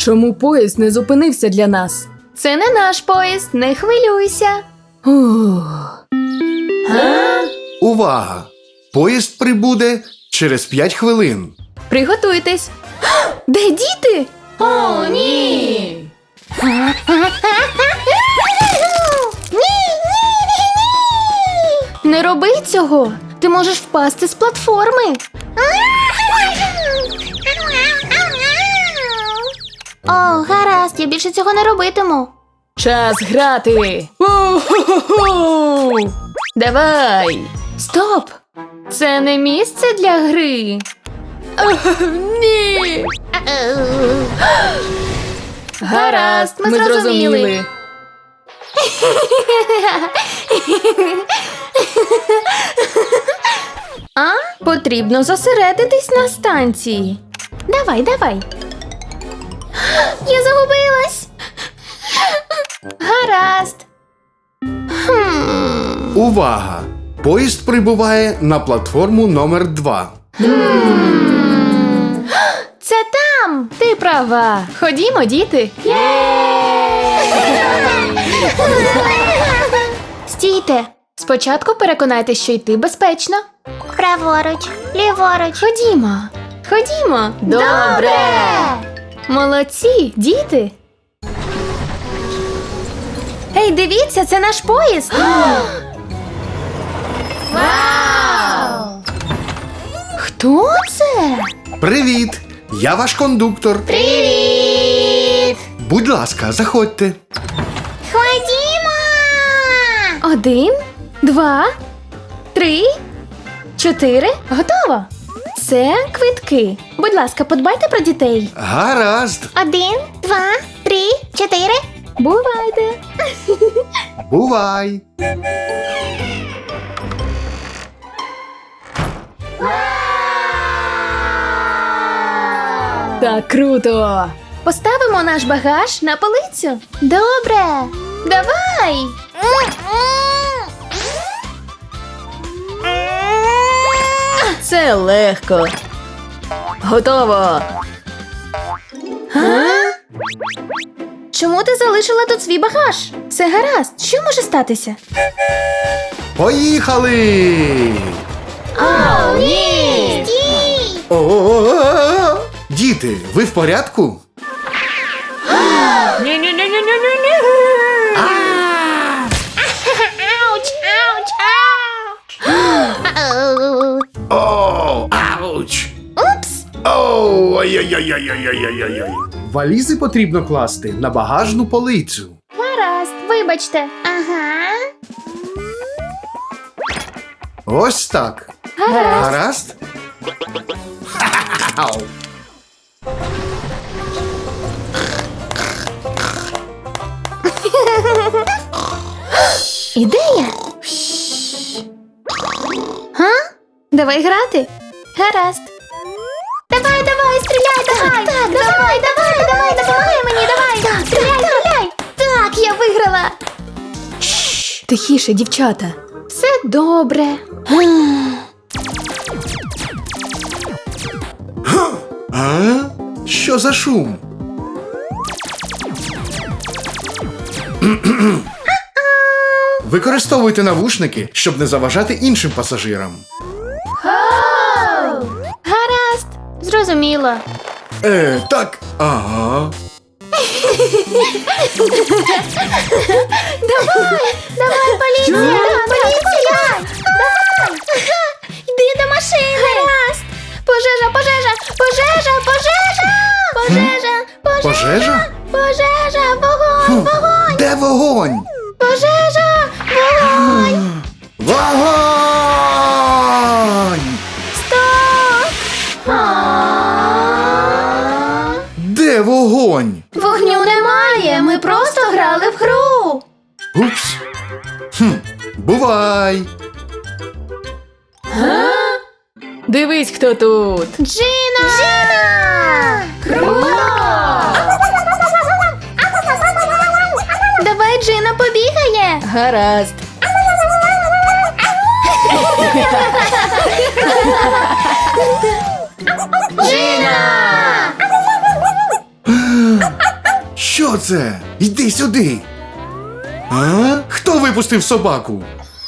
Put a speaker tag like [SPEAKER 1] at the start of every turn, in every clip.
[SPEAKER 1] Чому поїзд не зупинився для нас?
[SPEAKER 2] Це не наш поїзд, не хвилюйся.
[SPEAKER 1] Ух.
[SPEAKER 3] Увага! Поїзд прибуде через 5 хвилин.
[SPEAKER 2] Приготуйтесь. Де діти?
[SPEAKER 1] О, ні!
[SPEAKER 2] Не роби цього. Ти можеш впасти з платформи. О, гаразд, я більше цього не робитиму.
[SPEAKER 1] Час грати! У-ху-ху-ху!
[SPEAKER 2] Давай. Стоп! Це не місце для гри.
[SPEAKER 1] Ні!
[SPEAKER 2] Гаразд, ми зрозуміли. Потрібно зосередитись на станції. Давай, давай. Я загубилась. Гаразд.
[SPEAKER 3] Увага! Поїзд прибуває на платформу номер 2.
[SPEAKER 2] Це там. Ти права. Ходімо, діти. Стійте. Спочатку переконайтесь, що йти безпечно.
[SPEAKER 4] Праворуч, ліворуч.
[SPEAKER 2] Ходімо. Ходімо.
[SPEAKER 4] Добре.
[SPEAKER 2] Молодці, діти. Ей, дивіться, це наш поїзд.
[SPEAKER 4] Вау!
[SPEAKER 2] Хто це?
[SPEAKER 3] Привіт! Я ваш кондуктор.
[SPEAKER 4] Привіт!
[SPEAKER 3] Будь ласка, заходьте.
[SPEAKER 4] Ходімо!
[SPEAKER 2] 1, 2, 3, 4. Готово. Це квитки. Будь ласка, подбайте про дітей.
[SPEAKER 3] Гаразд.
[SPEAKER 4] 1, 2, 3, 4.
[SPEAKER 2] Бувайте.
[SPEAKER 3] Бувай.
[SPEAKER 1] Так круто!
[SPEAKER 2] Поставимо наш багаж на полицю. Добре. Давай.
[SPEAKER 1] Це легко. Готово!
[SPEAKER 2] Чому ти залишила тут свій багаж? Все гаразд. Що може статися?
[SPEAKER 3] Поїхали!
[SPEAKER 2] О, ні!
[SPEAKER 4] Стій!
[SPEAKER 3] О-о-о-о! Діти, ви в порядку?
[SPEAKER 4] Ауч, ауч, ауч!
[SPEAKER 3] О, ауч!
[SPEAKER 4] Упс!
[SPEAKER 3] Оу, ай-яй-яй-яй-яй-яй-яй. Валізи потрібно класти на багажну полицю.
[SPEAKER 2] Гаразд, вибачте.
[SPEAKER 4] Ага.
[SPEAKER 3] Ось так. Гаразд? Ау.
[SPEAKER 2] Ідея. Га? Давай грати. Гаразд.
[SPEAKER 4] Давай, давай, стріляй, давай! Так, давай, давай, допомагай мені, давай! Так, стріляй!
[SPEAKER 2] Так, я виграла.
[SPEAKER 1] Тихіше, дівчата.
[SPEAKER 2] Все добре.
[SPEAKER 3] А? Що за шум? Використовуйте навушники, щоб не заважати іншим пасажирам.
[SPEAKER 2] Гаразд. Зрозуміло.
[SPEAKER 3] Так. Ага.
[SPEAKER 4] Давай, поліція! Поліція! Давай! Йди до машини!
[SPEAKER 2] Гаразд. Пожежа, пожежа, пожежа, пожежа. Пожежа,
[SPEAKER 3] Пожежа?
[SPEAKER 2] пожежа, вогонь, вогонь,
[SPEAKER 3] Де вогонь?
[SPEAKER 2] пожежа, вогонь.
[SPEAKER 3] Вогонь!
[SPEAKER 2] Стоп.
[SPEAKER 3] Де вогонь?
[SPEAKER 2] Вогню немає, ми просто грали в гру.
[SPEAKER 3] Упс. Бувай.
[SPEAKER 1] Дивись, хто тут!
[SPEAKER 2] Джина!
[SPEAKER 4] Джина!
[SPEAKER 2] Круто! Давай Джина побігає.
[SPEAKER 1] Гаразд!
[SPEAKER 2] Джина!
[SPEAKER 3] Що це? Йди сюди. А? Хто випустив собаку?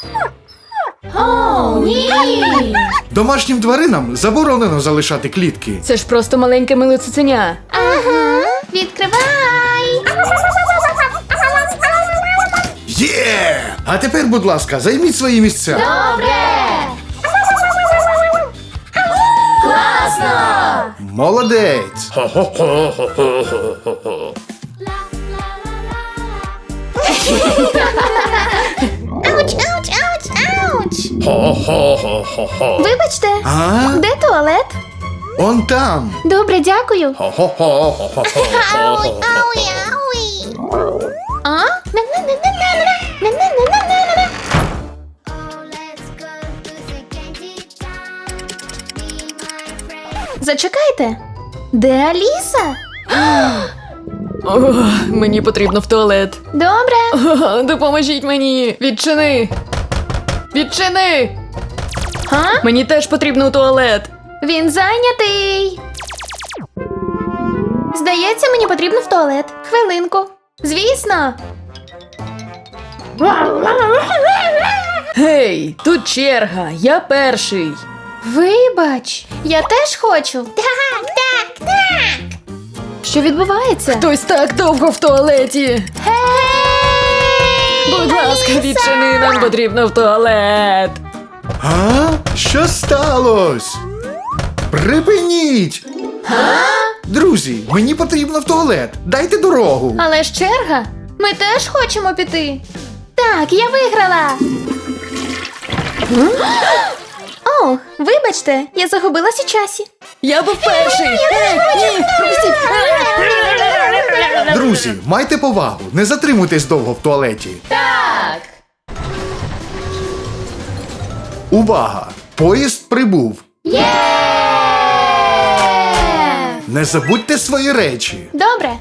[SPEAKER 2] О, ні!
[SPEAKER 3] Домашнім тваринам заборонено залишати клітки.
[SPEAKER 1] Це ж просто маленьке миле цуценя.
[SPEAKER 2] Ага, відкривай!
[SPEAKER 3] Є! А тепер, будь ласка, займіть свої місця.
[SPEAKER 2] Добре! Класно!
[SPEAKER 3] Молодець!
[SPEAKER 2] Ауч, ауч, ауч, ауч! Вибачте,
[SPEAKER 3] А?
[SPEAKER 2] де туалет?
[SPEAKER 3] Он там.
[SPEAKER 2] Добре, дякую. Ауй, ауй, ауй. А? На-на-на-на-на-на. На-на-на-на-на-на. Зачекайте. Де Аліса?
[SPEAKER 1] О, мені потрібно в туалет.
[SPEAKER 2] Добре.
[SPEAKER 1] О, допоможіть мені. Відчини. Відчини.
[SPEAKER 2] А?
[SPEAKER 1] Мені теж потрібно у туалет.
[SPEAKER 2] Він зайнятий. Здається, мені потрібно в туалет. Хвилинку. Звісно.
[SPEAKER 1] Гей, тут черга. Я перший.
[SPEAKER 2] Вибач, я теж хочу. Так, так, так. Що відбувається?
[SPEAKER 1] Хтось так довго в туалеті.
[SPEAKER 2] Гей!
[SPEAKER 1] Будь ласка,
[SPEAKER 2] Аліса!
[SPEAKER 1] відчини, нам потрібно в туалет.
[SPEAKER 3] А? Що сталося? Припиніть! Друзі, мені потрібно в туалет. Дайте дорогу.
[SPEAKER 2] Але ж черга. Ми теж хочемо піти. Так, я виграла. О, вибачте, я загубилась у часі.
[SPEAKER 1] Я був перший. Ні, пропустіть.
[SPEAKER 3] Друзі, майте повагу. Не затримуйтесь довго в туалеті.
[SPEAKER 1] Так.
[SPEAKER 3] Увага! Поїзд прибув.
[SPEAKER 2] Є!
[SPEAKER 3] Не забудьте свої речі.
[SPEAKER 2] Добре.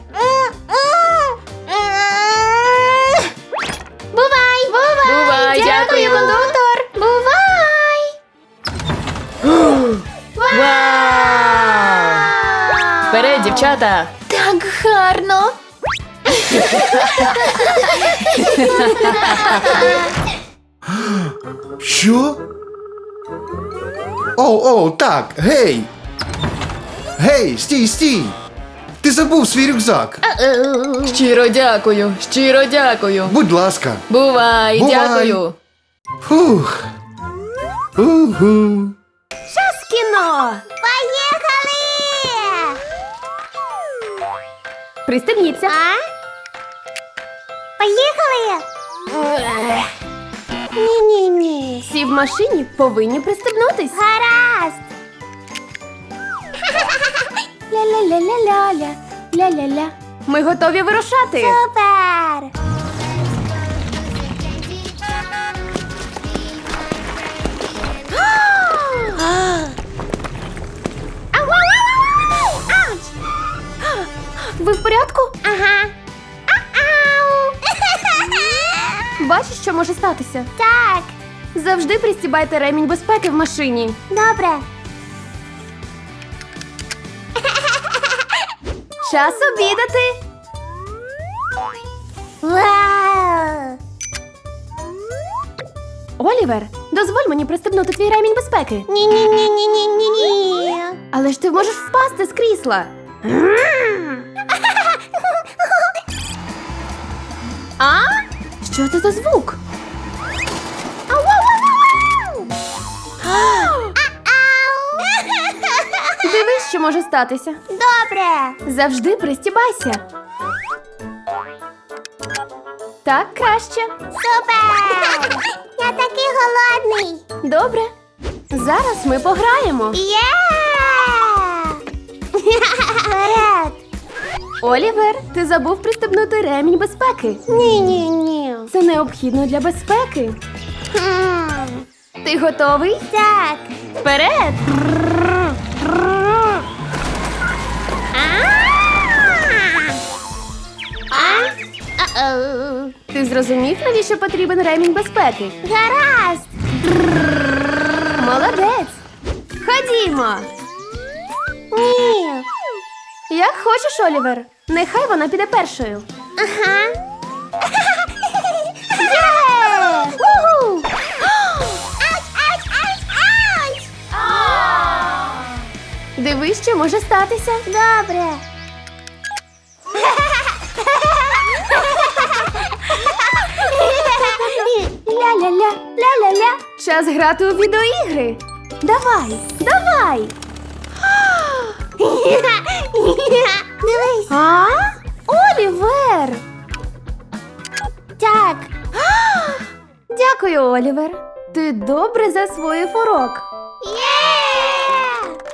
[SPEAKER 2] Бувай! Бувай!
[SPEAKER 1] Бувай, дякую.
[SPEAKER 2] кондуктор! Бувай!
[SPEAKER 1] Вау! Вперед, дівчата.
[SPEAKER 2] Так гарно!
[SPEAKER 3] Що? Оу, так, гей! Гей, стій! Ти забув свій рюкзак.
[SPEAKER 1] Щиро дякую, щиро дякую.
[SPEAKER 3] Будь ласка.
[SPEAKER 1] Бувай,
[SPEAKER 3] Бувай.
[SPEAKER 1] дякую.
[SPEAKER 3] Фух. Уху.
[SPEAKER 2] Час кіно! Поїхали! Пристебніться. Поїхали! Ні-ні-ні. Всі в машині повинні пристебнутись. Гаразд! Ля-ля-ля-ля-ля-ля. Ля-ля-ля. Ми готові вирушати. Супер! Ви в порядку? Ага. Бачиш, що може статися? Так. Завжди пристібайте ремінь безпеки в машині. Добре. Час обідати. Вау! Олівер, дозволь мені пристебнути твій ремінь безпеки. Ні-ні-ні-ні-ні-ні. Але ж ти можеш впасти з крісла. А? Що це за звук? Дивись, що може статися. Добре. Завжди пристібайся. Так краще. Супер! Я такий голодний. Добре. Зараз ми пограємо. Є! Вперед! Олівер, ти забув пристебнути ремінь безпеки. Ні-ні-ні. Це необхідно для безпеки. Ти готовий? Так. Вперед! Ти зрозумів, навіщо потрібен ремінь безпеки? Гаразд! Молодець! Ходімо! Ні! Як хочеш, Олівер. Нехай вона піде першою.
[SPEAKER 4] Ага. Є! Уху! Ауч, ауч, ауч, ауч!
[SPEAKER 2] Дивись, що може статися.
[SPEAKER 4] Добре.
[SPEAKER 2] Ля-ля-ля, ля-ля-ля. Час грати у відеоігри. Давай, давай.
[SPEAKER 4] Дивись.
[SPEAKER 2] А? Олівер!
[SPEAKER 4] Так.
[SPEAKER 2] Дякую, Олівер. Ти добре засвоїв урок.